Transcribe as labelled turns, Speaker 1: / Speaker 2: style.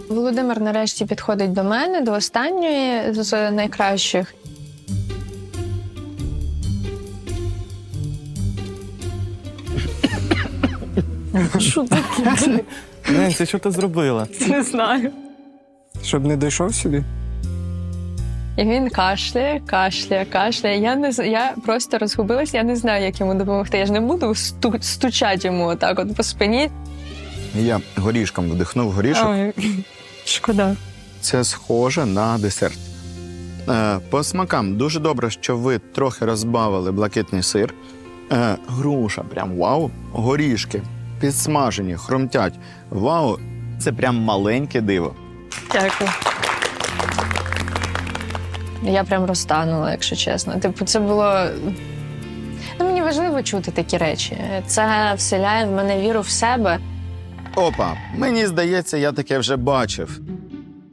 Speaker 1: Володимир нарешті підходить до мене, до останньої з найкращих. Що таке?
Speaker 2: Ненсі, що ти зробила?
Speaker 1: Не знаю.
Speaker 3: Щоб не дійшов сюди?
Speaker 1: І він кашляє. Я просто розгубилась, я не знаю, як йому допомогти. Я ж не буду стучати йому отак от по спині.
Speaker 4: Я горішком вдихнув горішок.
Speaker 1: Ой, шкода.
Speaker 4: Це схоже на десерт. По смакам дуже добре, що ви трохи розбавили блакитний сир. Груша, прям вау. Горішки підсмажені, хрумтять. Вау, це прям маленьке диво.
Speaker 1: Дякую. Я прям розтанула, якщо чесно. Типу, це було... мені важливо чути такі речі. Це вселяє в мене віру в себе.
Speaker 4: Опа, мені здається, я таке вже бачив.